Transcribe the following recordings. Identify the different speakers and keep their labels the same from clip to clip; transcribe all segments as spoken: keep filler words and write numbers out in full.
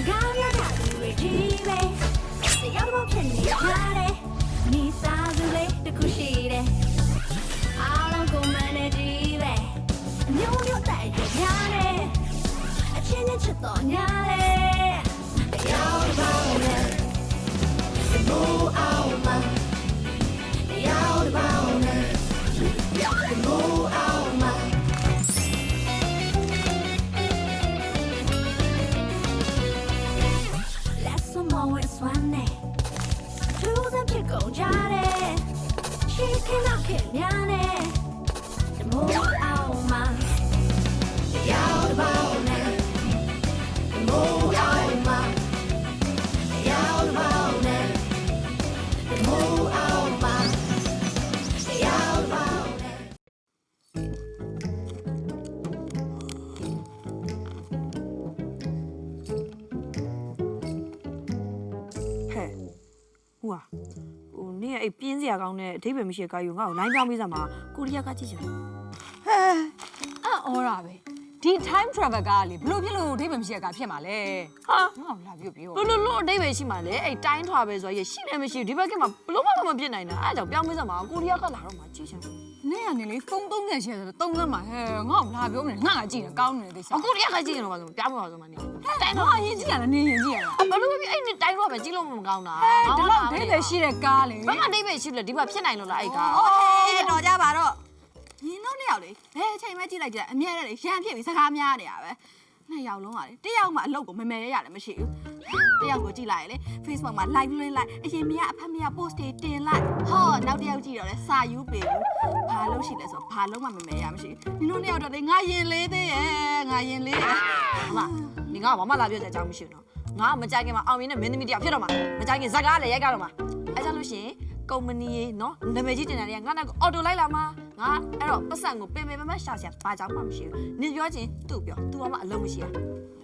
Speaker 1: အဲ့ပြင်းစရာကောင်းတဲ့အဓိပ္ပာယ်မရှိတဲ့ကာယူငါ့ကိုလိုင်းပြောင်းပေးစမ်းပါကိုရီးယားကကြည့်ချင်တယ်
Speaker 2: ဟဲအော်တာပဲဒီ time travel ကလေဘလို့ဖြစ်လို့အဓိပ္ပာယ်မရှိတဲ့ကာဖြစ်မှာလဲဟာငါ့ကိုလာပြောပြော
Speaker 1: ဘလို့လို့အဓိပ္ပာယ်ရှိမှာလေအဲ့တိုင်းထွာပဲဆိုရရှိနေမရှိဒီဘက်ကမှဘလို့မှမဖြစ်နိုင်တာအဲ့ကြောင့်ပြောင်းပေးစမ်းပါကိုရီးယားကလာတော့မှကြည့်ချင်တယ်
Speaker 2: နေ့ကနေလေဖုန်းသုံးဆယ်ရှယ်ဆိုတော့သုံးသမ်းမှာဟဲငါ့ကိုလာပြောမနေငါကကြည့်တယ်ကောင်းနေတဲ့ကိစ္စ
Speaker 1: ကိုရီးယားကကြည့်ရင်တော့ပါဆိုပြောင်းမပါဆိုမှနေ
Speaker 2: တိုင်းတော့အရင်ကြည့်ရလားနေရင်ကြည့်ရလား
Speaker 1: ဘလို့ဖြစ်အဲ့တိုင်းထွာပဲကြည့်လို့မကောင်းတာ
Speaker 2: ဒီလောက်အဓိပ္ပာယ်ရှိတဲ့ကားလေ
Speaker 1: ဘာမှအဓိပ္ပာယ်ရှိလို့ဒီဘက်ဖြစ်နိုင်လို့လားအဲ့ကာ
Speaker 2: โอเคတော်ကြပါတော့ညီတို့နှစ်ယောက်လေဘယ်အချိန်မှကြည့်လိုက်ကြအမြဲတမ်းလေရန်ဖြစ်ပြီးစကားများနေတာပဲနှစ်ယောက်လုံးကလေတစ်ယောက်မှအလုပ်ကိုမမယ်ရရတယ်မရှိဘူးတစ်ယောက်ကိုကြည့်လိုက်လေ Facebook မှာ live လွှင့်လိုက်အရင်မရအဖက်မရ post တွေတင်လိုက်ဟောနောက်တစ်ယောက်ကြည့်တော့လေစာယူပေးဘူးဘာလို့ရှိလဲဆိုတော့ဘာလို့မှမမယ်ရမရှိဘူးညီတို့နှစ်ယောက်တော့လေငါရင်လေးသေးရဲ့ငါရင်လေးရဲ့
Speaker 1: မဒီငါဘာမှလာပြောကြအကြောင်းမရှိဘူးနော်ငါမကြိုက်ခင်မှာအောင်မြင်တဲ့မင်းသမီးတယောက်ဖြစ်တော့မှာမကြိုက်ခင်ဇက်ကားလည်းရိုက်ကြတော့မှာအဲကြောင့်လို့ရှိရင်ကုမ္ပဏီရေနော်နာမည်ကြီးတင်တာတွေကငါနောက်အော်တိုလိုက်လာမှာငါအဲ့တော့ပတ်စံကိုပင်ပင်မမရှာရှာဘာကြောင့်မှမရှိဘူးနင်ပြောချင်းသူ့ပြော तू ကမှအလုံးမရှိတာ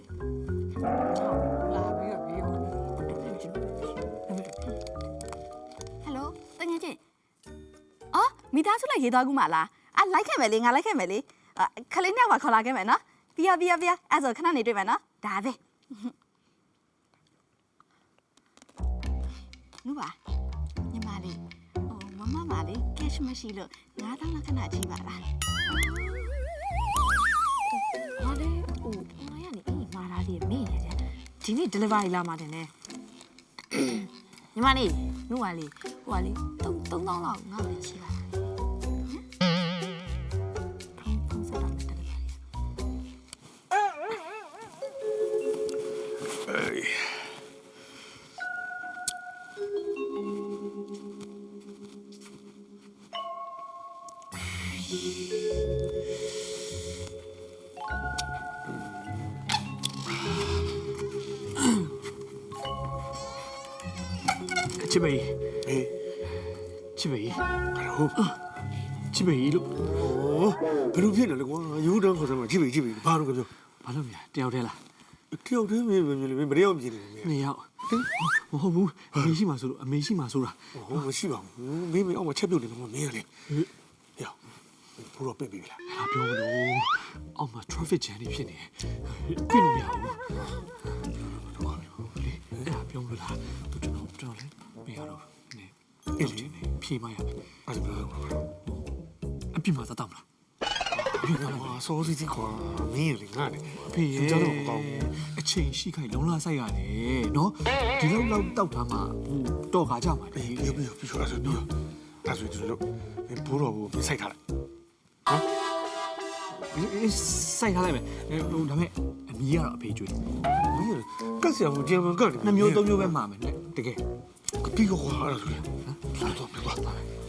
Speaker 2: လာပြီးတော့ပြီးတော့ဟယ်လိုတကယ်ချင်းအော်မိသားစုလိုက်ရေးသွားကူးမလားအာလိုက်ခဲ့မယ်လေငါလိုက်ခဲ့မယ်လေခလေးနှစ်ယောက်ပါခေါ်လာခဲ့မယ်နော်ပြရပြရပြရအဲ့ဆိုခဏနေတွေ့မယ်နော်ဒါပဲနူပါညီမလေးဟိုမမမလေး cash မရှိလို့ငါးသောင်းလောက်ခဏကြည့်ပါလား
Speaker 1: ဟာလေဟိုငါရနေအေးမာလာလေးမေ့နေတယ်ဒီနေ့ delivery လာမှာတင်နေညီမလေးနူပါလေးဟိုကလေသုံးသုံးသောင်းလောက်ငါ့ကိုချီပါ
Speaker 3: ချစ်မေဟေးချစ်မေဟုတ်ချစ်မေလို့ဩဘယ်လိုဖြစ်နေလဲကွာယူတန်းခေါ်စမ်းမှာချစ်မေချစ်မေဘာလို့ပြောဘာလို့မြတယောက်တည်းလားတယောက်တည်းမင်းမင်းမင်းမတယောက်မြင်နေတယ်နှစ်ယောက်မဟုတ်ဘူးအမေရှိမှဆိုလို့အမေရှိမှဆိုတာဟုတ်မရှိပါဘူးမင်းမင်းအောက်မှာချက်ပြုတ်နေလို့မင်းရလေယောဘိုးတော့ပြစ်ပြီလားဟာပြောမလို့အောက်မှာ traffic jam တွေဖြစ်နေပြစ်လို့မရဘူးအဲ့ဒါပြောမလို့လားကျွန်တော်ကျွန်တော်လေမရတော့နေအေးလေဖြေမရမယ်အဲ့ဒါဘယ်လိုအပြစ်မှာသတ်မလားအပြစ်မှာစောစီစီကွာမင်းလေငါနဲ့အဖေရဲ့ကျွန်တော်တော့ကောင်းအချိန်ရှိခိုင်လုံးလာဆိုင်ရတယ်နော်ဒီလောက်လောက်တောက်ထားမှဟိုတော့ခါကြမှာလေပြီးပြီးပြီးဆိုအဲ့ဆိုပြီးအဲ့ဆိုကျွန်တော်ဘိုးတော်ကိုစိုက်ထားလိုက်ဟမ်စိုက်ထားလိုက်မယ်ဟိုဒါမဲ့အမီးကတော့အဖေကျွေးမင်းကတ်ဆရာမကြမ်းမကတ်နှစ်မျိုးသုံးမျိုးပဲမှာမယ်တကယ်ပြီးတော့ဟာအဲ့ဒါဆိုရင်ဟမ်တော့ပြပါ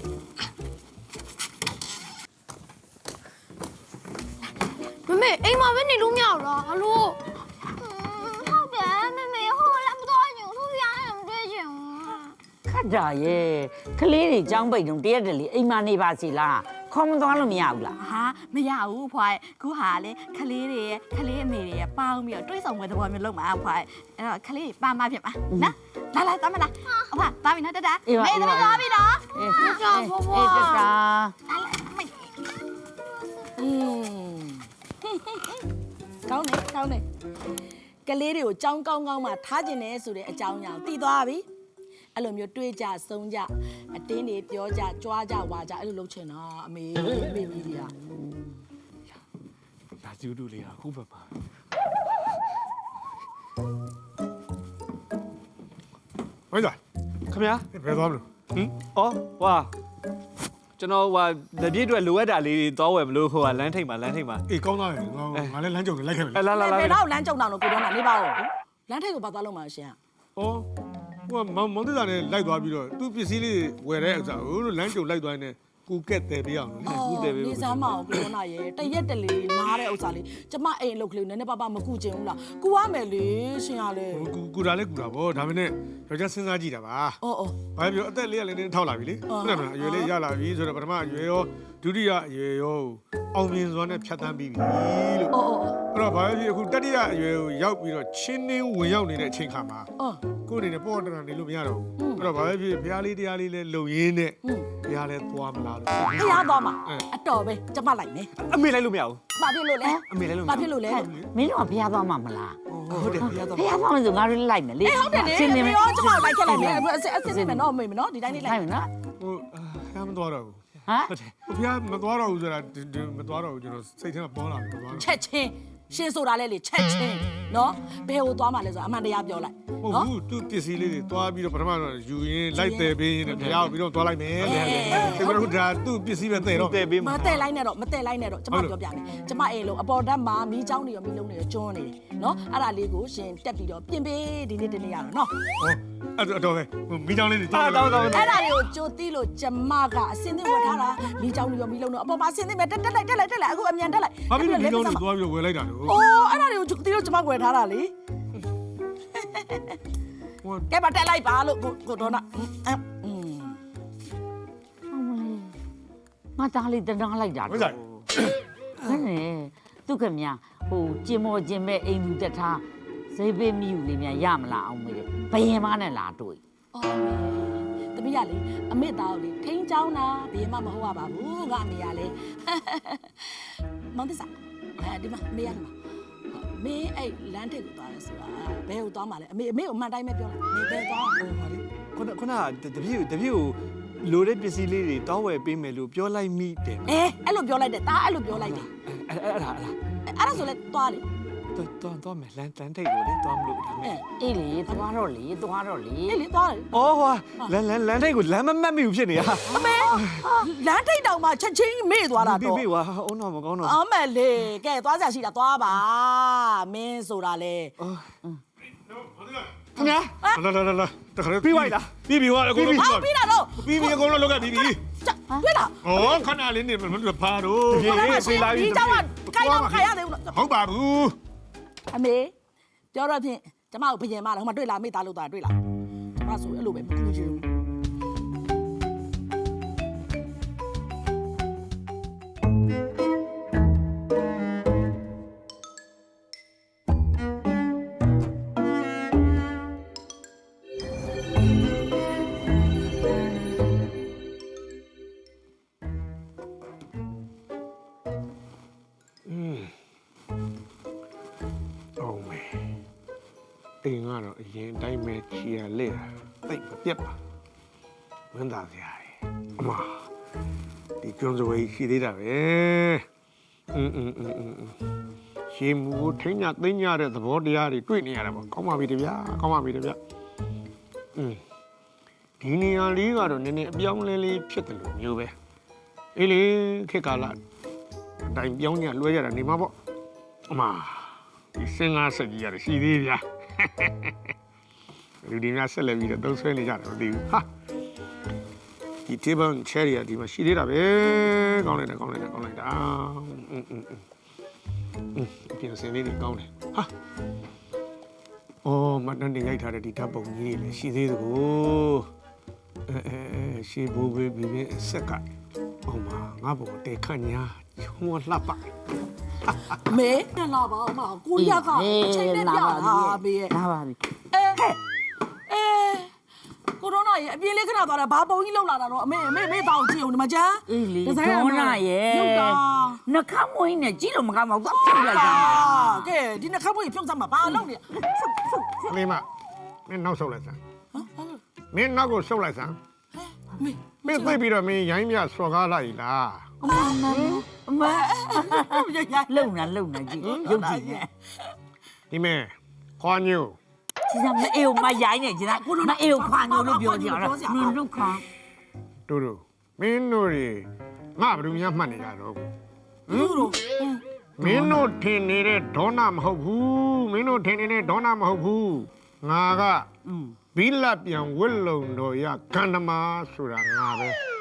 Speaker 4: မမေအိမ်မှာပဲနေလို့မရဘူးလားဟလိုဟုတ်တယ်မမေဟိုလည်းမတော်ရင်သူရမ်းမတွေ့ချင်ဘူး
Speaker 5: ခတ်တာရဲ့ကလေးတွေចောင်းပိတ်တုံတရက်တလေအိမ်မနေပါစီလားခေါ်မသွားလို့မရဘူးလား
Speaker 2: ဟာမရဘူးဖွားခုဟာလေခလေးတွေရဲ့ခလေးအမေတွေရဲ့ပေါင်းပြီးတော့တွေးဆောင်ပွဲသဘောမျိုးလုပ်မှာဖွားအဲ့တော့ခလေးပါမဖြစ်ပါနော်လာလာသားမလားအဖသားပြီနော်တတမေသမီးသွားပြီနော်
Speaker 5: အေးကြောက်ဖို့အေးတတာ
Speaker 2: လာလာမေ
Speaker 5: อืม
Speaker 2: ကောင်းနေကောင်းနေကလေးတွေကိုကြောင်းကောင်းကောင်းမှထားကျင်တယ်ဆိုတဲ့အကြောင်းအရာကိုသိသွားပြီအဲ့လိုမျိုးတွေးကြဆုံးကြအတင်းတွေပြောကြကြွားကြဝါကြအဲ့လိုလုပ်ချင်တာအမေအမေကြီးတွေက
Speaker 3: လာကျူးတူလေးအခုပဲပါဝိုင်းသွား
Speaker 6: ခင်ဗျာ
Speaker 3: ဘယ်သွားမလို့
Speaker 6: ဟင်အော်ဝါကျွန်တော်ဟိုလက်ပြည့်အတွက်လိုအပ်တာလေးတွေသွားဝယ်မလို့ဟိုကလမ်းထိပ်မှာလမ်းထိပ်မှာ
Speaker 3: အေးကောင်းသားရဲ့ငါငါလည်းလမ်းကြုံလိုက်ခဲ့ပြီ
Speaker 6: အဲလာလာလာ
Speaker 2: ဘယ်တော့လမ်းကြုံတောင်လို့ကိုတော့နေပါဦးလမ်းထိပ်ကိုဘာသွားလို့မှရှင်
Speaker 3: ဩဟိုမောင်မောင်တသားနဲ့လိုက်သွားပြီးတော့သူ့ပစ္စည်းလေးဝယ်တဲ့ဥစ္စာဟိုလမ်းကြုံလိုက်သွားနေကူကက်တယ်ပြအောင်လေ
Speaker 6: ကူတယ်ပဲ
Speaker 2: နေစမ်းမအောင်ကိုတော့နာရဲ့တရက်တလေနားတဲ့ဥစ္စာလေးကျမအိမ်အလုပ်ကလေးနည်းနည်းပါးပါးမကူချင်ဘူးလားကူရမယ်လေရှင်ရလေ
Speaker 3: ကူကူတာလည်းကူတာဗောဒါပေမဲ့ယောက်ျားစဉ်းစားကြည့်တာပါ
Speaker 2: အော်အော်
Speaker 3: ဘာပြောအသက်လေးကလည်းနည်းထောက်လာပြီလေဟုတ်တယ်မလားအရွယ်လေးရလာပြီဆိုတော့ပထမအရွယ်ရောဒုတိယအရွယ်ရောအောင်မြင်စွာနဲ့ဖြတ်သန်းပြီးပြီလို့
Speaker 2: အော်အော်
Speaker 3: အဲ့တော့ဘာဖြစ်အခုတတိယအရွယ်ကိုရောက်ပြီးတော့ချင်းနှင်းဝင်ရောက်နေတဲ့အချိန်ခါမှာ
Speaker 2: အော်
Speaker 3: ကိုယ်အနေနဲ့ပေါ်တရနေလို့မရတော့ဘူးအဲ့တော့ဘာဖြစ်ဘုရားလေးတရားလေးလဲလုံရင်းနဲ့ဘုရားလဲသွားမလားလို့
Speaker 2: ဖျားသွားမှာအတော်ပဲကျမလိုက်မယ်
Speaker 6: အမေလိုက်လို့မရဘူး
Speaker 2: ဘာဖြစ်လို့လဲ
Speaker 6: အမေလိုက်လို့မ
Speaker 2: ဘာ
Speaker 6: ရ
Speaker 2: ဖြစ်
Speaker 6: ဘူး
Speaker 2: လို့လဲ
Speaker 5: မင်းတို့ကဖျားသွားမှာမလား
Speaker 6: ဟုတ်တယ်ဖျားသွား
Speaker 5: ဖျားသွားမှာဆိုငါတို့လိုက်မယ်လေ
Speaker 2: အေးဟုတ်တယ်လေ
Speaker 5: ရှင်းနေမယ်
Speaker 2: ရောကျမလိုက်ခဲ့လိုက်မယ်အစစ်အစစ်နေမယ်နော်မေမနော်ဒီတိုင်းလေးလို
Speaker 5: လို
Speaker 2: က်
Speaker 5: က်မယ်နော်
Speaker 3: ဟိုဘုရားမသွားတော့ဘူး
Speaker 5: ဟမ်
Speaker 6: ဟုတ်တယ်
Speaker 3: ဟိုဘုရားမသွားတော့ဘူးဆိုတာမသွားတော့ဘူးကျွန်တော်စိတ်ထဲမှာပေါ်လာတယ်မသွားတော့
Speaker 2: ချက်ချင်းရှင်းဆိုတာလဲလေချက်ချင်းနော်ဘယ်ဟိုသွားမှလဲဆိုအမှန်တရားပြောလိုက်
Speaker 3: ဟုတ်ဘူးသူပစ္စည်းလေးတွေသွားပြီးတော့ပထမတော့ယူရင်းလိုက်တယ်ပေးရင်းနဲ့ဘုရားကိုပြီးတော့သွားလိုက်မယ်လေဒီမှာတော့ဒါသူ့ပစ္စည်းပဲတဲ့တော့
Speaker 6: တဲ့ပေး
Speaker 2: မ
Speaker 6: မှာ
Speaker 2: တဲ့လိုက်နဲ့တော့မတဲ့လိုက်နဲ့တော့ကျမပြောပြမယ်ကျမအိမ်လုံးအပေါ်ဓာတ်မှာမီးချောင်းတွေရောမီးလုံးတွေရောကျွန်းနေတယ်နော်အဲ့ဒါလေးကိုရှင်တက်ပြီးတော့ပြင်ပေးဒီနေ့တနေ့ရတော့နော်
Speaker 3: ဟောအဲ့တော့ပဲမိချောင်းလေးတွေ
Speaker 6: တောင်းတောင်းတောင်း
Speaker 2: အဲ့ဒါတွေကိုကြိုတီးလို့ကျမကအစင်းသင်းဝတ်ထားတာမီးချောင်းတွေရောမီးလုံးတွေအပေါ်မှာအစင်းသင်းပဲတက်တက်လိုက်တက်လိုက်တက်လိုက်အခုအမြန်တက်လိုက်
Speaker 3: ဘာဖြစ်လို့မိချောင်းတွေသွားပြီးတော့ဝယ်လိုက်တာလဲ
Speaker 2: အိုးအဲ့ဒါတွေကိုကြိုတီးလို့ကျမဝယ်ထားတာလေ
Speaker 3: ဟို
Speaker 2: ကဲပါတက်လိုက်ပါလို့ကိုကိုတော့နာအင်း
Speaker 5: ဟုတ်မလေးငါသားလေးတနာလိုက်တာ
Speaker 3: ဝိဇ္ဇာ
Speaker 5: ဟဲ့နေသူခင်ဗျာဟိုကျင်မော်ကျင်မဲ့အိမ်လူတက်ထားဈေးပေးမိယူလေးများရမလားအောင်မေဘယင်မနဲ့လာတွေ့
Speaker 2: အော်တမီးရလေအမေသားကိုလေထိန်းချောင်းတာဘယ်မှမဟုတ်ပါဘူးငါအမေရလေမောင်တစားအဲဒီမှာမေရမှာမင်းအဲ့လမ်းထိပ်ကိုသွားရဲဆိုတာဘယ်ကိုသွားမှာလဲအမေအမေကိုအမှန်တိုင်းပဲပြောလိုက်မေဘယ်သွား
Speaker 6: ဟိုဟာလေခုနခုနတပြည့်တပြည့်ကိုလိုတဲ့ပစ္စည်းလေးတွေတောင်းဝယ်ပေးမယ်လို့ပြောလိုက်မိတယ်
Speaker 2: အေးအဲ့လိုပြောလိုက်တယ်ဒါအဲ့လိုပြောလိုက်တယ်
Speaker 6: အဲ့အဲ့ဒါအဲ့ဒါ
Speaker 2: အဲ့ဒါဆိုလဲသွားလေ
Speaker 6: တော့တော့တော့မယ်လမ်းလမ်းထိပ်ကိုလေသွားမလို့ဒါမဲ့
Speaker 5: အေးလေသွားတော့လေသွားတော့လေ
Speaker 2: အေးလေသွားလေ
Speaker 6: အော်ဟိုလမ်းလမ်းလမ်းထိပ်ကိုလမ်းမမှတ်မိဘူးဖြစ်နေတာ
Speaker 2: အမေလမ်းထိပ်တောင်မှချက်ချင်းမေ့သွားတာ
Speaker 6: ပြီ
Speaker 2: တော့
Speaker 6: ပြီဝါအုံးတော့မကောင်းတော့
Speaker 2: အမလေးကဲသွားကြရှိတာသွားပါမင်းဆိုတာလေ
Speaker 6: ခင်ဗျာ
Speaker 3: လာလာလာလာတခါ
Speaker 6: ပြီးပါလား
Speaker 3: ပြီးပြီဟောအကုန်လုံး
Speaker 2: ဟောပြီးတာတော့
Speaker 3: ပြီးပြီအကုန်လုံးလောက်ကပြီးပြီ
Speaker 2: တွေ့လား
Speaker 3: ဩခဏလေးနေမလို့ဖားတော့
Speaker 6: ဒီဒီလာပြီ
Speaker 2: ဒီเจ้าကခိုင်းတော့ခိုင်းရသေးဘူး
Speaker 3: ဟုတ်ပါဘူး
Speaker 2: အမေပြောတော့ဖြင့်ကျမကိုဘယင်မလားဟိုမှာတွေ့လားမိသားလို့တာတွေ့လားကျမဆိုအဲ့လိုပဲမကူချင်ဘူး
Speaker 3: အောင်မေအိမ်ကတော့အရင်တိုင်းပဲချီရလက်တိတ်မပြတ်ပါဝမ်းသာစရာကြီးအမဒီကျွန်းစဝေးရှိသေးတာပဲอืมอืมอืมอืมရှင်းမှုထိညာသိညာတဲ့သဘောတရားတွေတွေ့နေရတာပေါ့ကောင်းပါပြီတဗျာကောင်းပါပြီတဗျာอืมဒီနေရာလေးကတော့နည်းနည်းအပြောင်းလဲလေးဖြစ်တယ်လို့မျိုးပဲအေးလေခေတ်ကာလအတိုင်းပြောင်းညလွှဲရတာနေမှာပေါ့အမဒီစင်ကားဆက်ကြီးရတယ်ရှိသေးဗျာလူဒီများဆက်လက်ပြီးတော့သုံးဆွဲနေကြတယ်မသိဘူးဟာဒီ table chair ရဒီမှာရှိသေးတာပဲကောင်းလိုက်တာကောင်းလိုက်တာကောင်းလိုက်တာอืมอืมอืมပြင်စင်လေးတွေကောင်းတယ်ဟာအော်မတန်တင်ရိုက်ထားတဲ့ဒီဓာတ်ပုံကြီးတွေလည်းရှိသေးသကိုအဲအဲရှေးဘိုးဘေးဘီဘင်းဆက်ကအောင်မငါ့ဘုံတေခန့်ညာချုံမလှပ
Speaker 2: မေနဲ့လာပါအမကိုရကအချိန်နဲ့ပြလာမေရဲ့
Speaker 5: လာပါပြီ
Speaker 2: အဲအဲ
Speaker 7: ကိုတော့နာရဲ့အပြင်းလေးခဏသွားတာဘာပုံကြီးလောက်လာတာတော့အမေအမေမေတောင်းကြည့်အောင်ဒီမှာကျန်း
Speaker 5: အေးလေဒေါနာရဲ့
Speaker 7: ရုပ်တာ
Speaker 5: နှခမ်းမွေးနဲ့ကြီးလို့မကောင်းပါဘူးသွားဖြုတ်လိုက်တာ
Speaker 7: ကဲဒီနှခမ်းပွေးဖြုတ်စမ်းမှာဘာလုပ်နေ
Speaker 8: ကလေးမမင်းနောက်ဆုတ်လိုက်စမ်းမင်းနောက်ကိုဆုတ်လိုက်စမ်း
Speaker 7: မေ
Speaker 8: မင်းသိပြီးတော့မင်းရိုင်းမြစော်ကားလိုက်လား
Speaker 5: အမအမလုံနာလုံနာကြီးရုပ်ကြီးနဲ့
Speaker 8: ဒီမဲခွာညို
Speaker 5: ဒီကမအေးမရိုင်းနေကြီးလားမအေးခွာညိုလို့ပြောကြတာနင်တို့ခွာ
Speaker 8: တို့တို့မင်းတို့တွေငါဘယ်သူများမှတ်နေကြတော့
Speaker 7: လူတို့
Speaker 8: မင်းတို့ထင်နေတဲ့ဒေါနာမဟုတ်ဘူးမင်းတို့ထင်နေတဲ့ဒေါနာမဟုတ်ဘူးငါက
Speaker 5: อืม
Speaker 8: ဘီလပြန်ဝစ်လုံတော်ရကန္ဓမာဆိုတာငါပဲ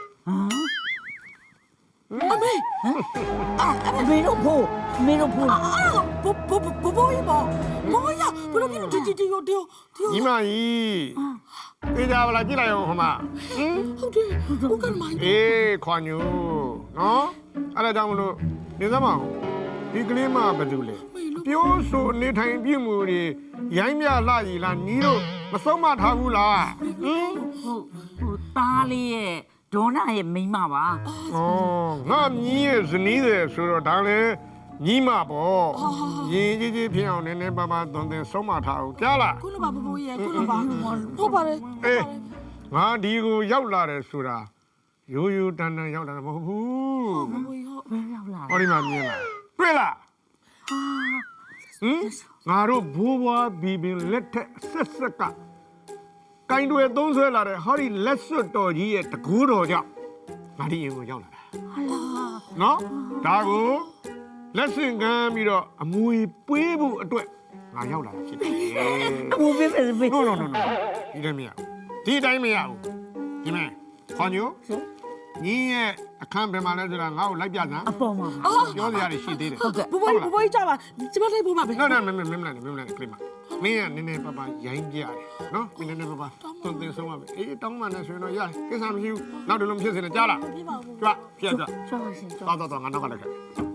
Speaker 7: အမေ
Speaker 5: အမေတို့ဖို့အမေတို့ဖို့
Speaker 7: အာဘဘဘဘဘဘောမောရဘလို့ဒီဒီဒီဒီဒီ
Speaker 8: ညီမကြီးသိကြပါလားကြည့်လိုက်အောင်ဟိုမှာဟင်
Speaker 7: ဟုတ်တယ်ဟုတ်ကဲ့မိုင်း
Speaker 8: အေးခွာညိုနော်အဲ့ဒါကြောင့်မလို့နေသမောင်ဒီကလေးမဘာလို့လဲပြောဆိုနေထိုင်ပြမှုတွေရိုင်းမြလှကြီးလားညီတို့မဆုံးမထားဘူးလားဟင်
Speaker 5: ဟုတ်ဟိုသားလေးရဲ့ဒေါနာရဲ့မိန်းမပါ
Speaker 8: ဩငါမြည်ရဲ့ဇနီးတယ်ဆိုတော့ဒါလည်းညီမပေါ့ရင်ကြီးကြီးဖြစ်အောင်နည်းနည်းပါးပါးသွန်သင်ဆုံးမထားအောင်ကြားလား
Speaker 7: ခုနကဘဘရဲ့ခုနကဟုတ်ပါတယ်
Speaker 8: အေးငါဒီကိုရောက်လာတယ်ဆိုတာရိုးရိုးတန်တန်ရောက်လာတာမဟုတ်ဘူး
Speaker 7: ဘဘဟုတ်
Speaker 5: ဘယ်ရောက်လာ
Speaker 8: ဟောဒီမှာမြင်လားတွေ့လားဟင်ငါတို့ဘိုးဘွားဘီဘင်လက်ထက်ဆက်ဆက်ကကိုင်းတွေသုံးဆွဲလာတဲ့ဟောဒီလက်စွပ်တော်ကြီးရဲ့တကူတော်ကြောင့်ငါဒီရင်ကိုရောက်လာတာနော်ဒါကိုလက်ဆင့်ကမ်းပြီးတော့အမွေပွေးဖို့အတွက်ငါရောက်လာတာဖြစ်တယ်
Speaker 5: အမူပေးပေးပေး
Speaker 8: no no no no ဒီတိုင်းမရဘူးဒီတိုင်းမရဘူးဒီမဲ့ခွန်ညိုညီရဲ့အခန်းဘယ်မှာလဲဆိုတာငါ့ကိုလိုက်ပြစမ်း
Speaker 5: အပေါ်မှာ
Speaker 8: ပြောစရာတွေရှိသေးတယ်
Speaker 5: ဟုတ်ကဲ့
Speaker 7: ဘဘဘဘကြပါကျမလိုက်ဖို့ပါပဲ
Speaker 8: နော်နော်မင်းမင်းမင်းမင်းမင်းကလေးမမင်းကနည်းနည်းပါးပါရိုင်းပြရတယ်နော်မင်းနည်းနည်းပါးပါသွန်သင်ဆုံးပါပဲအေးတောင်းမှနဲ့ဆိုရင်တော့ရတယ်ကိစ္စမရှိဘူးနောက်တလုံးဖြစ်စင်တယ်ကြားလား
Speaker 7: ပြပါဘူး
Speaker 8: ကြွပြကြ
Speaker 5: ချောပါရှင်ချော
Speaker 8: တော်တော်တော်ငါနောက်ကလည်းခဲ့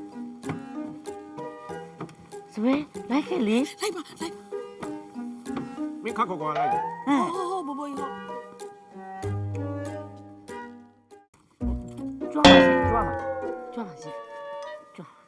Speaker 5: စပယ်လိုက်ခဲ့လေ
Speaker 7: လိုက်ပါလိုက်
Speaker 8: မင်းခက်ခေါ်ခေါ်လိုက်
Speaker 5: ဟမ်
Speaker 7: ဟောဘဘဟုတ်
Speaker 5: ကြွားပါရှင်ကြွားပါကြွားပါရှင်ကြွား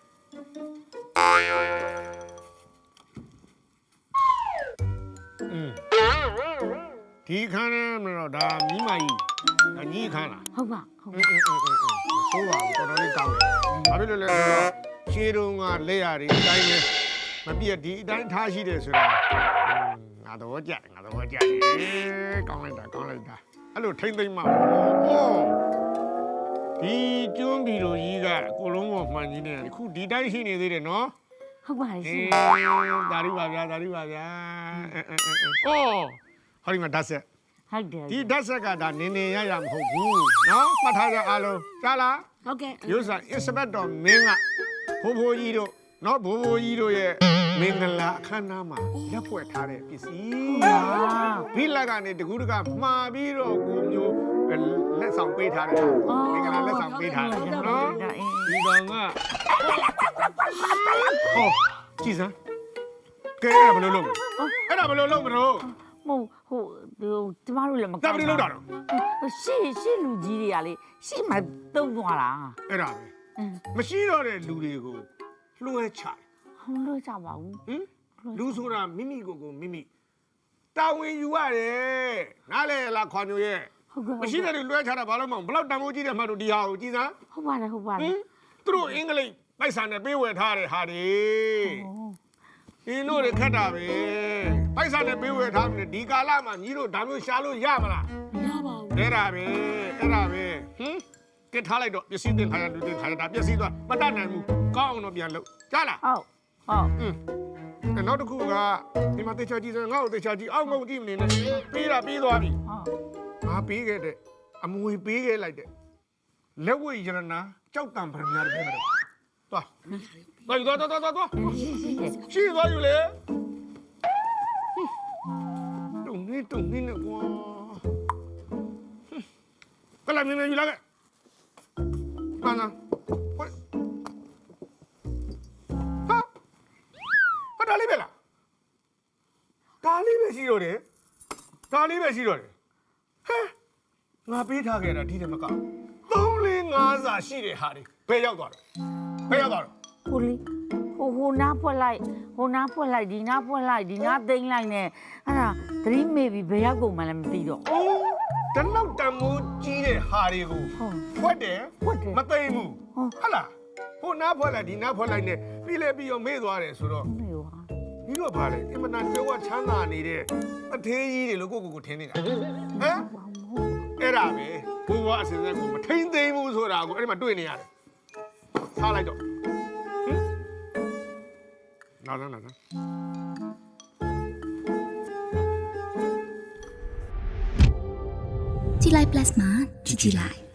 Speaker 8: อืมဒီခန်းနဲ့မလို့ဒါမိမကြီးဒါညီခန်းလား
Speaker 5: ဟုတ်ပါဟုတ်
Speaker 8: အင်းအင်းအင်းအင်းဆိုးပါဘူးတော်တော်လေးကောင်းတယ်ဘာဖြစ်လို့လဲဆိုတော့ရှင်းတုံးကလက်ရည်အတိုင်းပဲမပြည့်ဒီအတိုင်းထားရှိတယ်ဆိုတာငါတော့ကြငါတော့ကြကောင်းလိုက်တာကောင်းလိုက်တာအဲ့လိုထိမ့်သိမ့်မှာဟောဒီကျွန်းဘီလိုကြီးကအကိုလုံးပေါ်မှန်ကြီးနေတယ်ခုဒီတိုင်းရှိနေသေးတယ်နော်
Speaker 5: ဟုတ်ပါရှင်
Speaker 8: ဒါရီပါဗျာဒါရီပါဗျာအဲအဲအဲအော်ဟောဒီမှာဓာတ်ဆက်
Speaker 5: ဟုတ်တယ်
Speaker 8: ဒီဓာတ်ဆက်ကဒါနင်းနေရရမဟုတ်ဘူးနော်မှတ်ထားကြအားလုံးကြားလား
Speaker 7: ဟုတ်ကဲ့
Speaker 8: ရုပ်စာအစ်စပက်တော်မင်းကဘိုးဘိုးကြီးတို့နော်ဘိုးဘိုးကြီးတို့ရဲ့မင်္ဂလာအခမ်းအနားမှာလက်ဖွဲ့ထားတဲ့ပစ္စည်းဘိလက်ကနေတကူးတကမှာပြီးတော့ကိုမျိုးလက်ဆောင်ပေးထားတယ်မင်္ဂလာလက်ဆောင်ပေးထားတယ်နော်ဒီကောင်ကဟောကြည်စမ်းကဲအဲ့ဒါဘယ်လိုလုပ်အဲ့ဒါဘယ်လိုလုပ်မလို့
Speaker 5: မဟုတ်ဟိုဒီကျမတို့လည်းမ
Speaker 8: ဒါဘယ်လိုလုပ်တာတော့
Speaker 5: ရှေ့ရှေ့လူကြီးတွေကလေရှေ့မှာတုံးသွားတာ
Speaker 8: အဲ့ဒါပဲမရှိတော့တဲ့လူတွေကိုလွှဲချတယ်
Speaker 5: ဟောလို့ကြပါဘူး
Speaker 8: ဟင်လူဆိုတာမိမိကိုယ်ကိုမိမိတာဝန်ယူရတယ်နားလေလားခွန်မျိုးရဲ့
Speaker 5: ဟုတ်ကဲ့
Speaker 8: မရှိတဲ့လူလွှဲချတာဘာလို့မအောင်ဘလောက်တန်ဖိုးကြီးတယ်မှတ်လို့ဒီဟာကိုကြည်စမ်း
Speaker 5: ဟုတ်ပါတယ်ဟုတ်ပါတ
Speaker 8: ဟ
Speaker 5: ယ်
Speaker 8: င်သူတို့အင်္ဂလိပ်ပိုက်ဆံနဲ့ပေးဝယ်ထားတဲ့ဟာတွေဒီတို့တွေခက်တာပဲပိုက်ဆံနဲ့ပေးဝယ်ထားတယ်ဒီကာလမှာညီတို့ဒါမျိုးရှာလို့ရမလား
Speaker 7: မရပါဘူး
Speaker 8: အဲ့ဒါပဲအဲ့ဒါပဲဟင်ကစ်ထားလိုက်တော့ပစ္စည်းတင်ခါရလူတင်ခါရတာပစ္စည်းသွားမတတ်နိုင်ဘူးကောင်းအောင်တော့ပြန်လုပ်ကြားလား
Speaker 5: ဟုတ်ဟုတ်
Speaker 8: อืมနောက်တစ်ခုကဒီမှာတေချာကြည့်စမ်းငါ့ကိုတေချာကြည့်အောက်ငုံကြည့်မနေနဲ့ပြီးတာပြီးသွားပြီ
Speaker 5: ဟုတ်
Speaker 8: ငါပြီးခဲ့တဲ့အမွေပေးခဲ့လိုက်တဲ့လက်ဝဲရနာကြောက်တံပရမညာတွေပဲတော့သွားသွားသွားသွားသွားသွားရှိသွားယူလေတုံနေတုံနေနဲ့ကွာကလာမြင်မြင်ယူလာခဲ့နာနာဝဲဟာဟာဒါလေးပဲလားဒါလေးပဲရှိတော့တယ်ဒါလေးပဲရှိတော့တယ်ဟဲ့ငါပေးထားခဲ့တာဒီတည်းမကသုံးလေးငါးစာရှိတဲ့ဟာတွေဘယ်ရောက်သွားလဲဘယ်ရောက်သွားလဲ
Speaker 5: ဟိုလေဟိုဟိုနားဖွက်လိုက်ဟိုနားဖွက်လိုက်ဒီနားဖွက်လိုက်ဒီနားသိမ်းလိုက်နဲ့အဲ့ဒါသတိမေ့ပြီးဘယ်ရောက်ကုန်မှလည်းမသိတော့
Speaker 8: အိုးတလောက်တန်မိုးကြီးတဲ့ဟာတွေကို
Speaker 5: ဟုတ်
Speaker 8: ဖွက်တယ်
Speaker 5: ဖွက်တယ်
Speaker 8: မသိမ်းဘူး
Speaker 5: ဟုတ်
Speaker 8: ဟုတ်လားဟိုနားဖွက်လိုက်ဒီနားဖွက်လိုက်နဲ့ပြီးလဲပြီးတော့မေ့သွားတယ်ဆိုတော့
Speaker 5: မေ့ပါ
Speaker 8: ပြီးတော့ဗာလေအင်မတန်ကြွယ်ဝချမ်းသာနေတဲ့အသေးကြီးတွေလို့ကိုကိုကိုထင်နေတာဟမ်အဲ့ဒါပဲဘိုးဘွားအစင်စက်ကိုမထိန်သိမ်းဘူးဆိုတာကိုအဲ့ဒီမှာတွေ့နေရတယ်ထားလိုက်တော့ဟင်နားနားနား
Speaker 9: ကြည်လိုက် plus မှာကြည်ကြည်လိုက်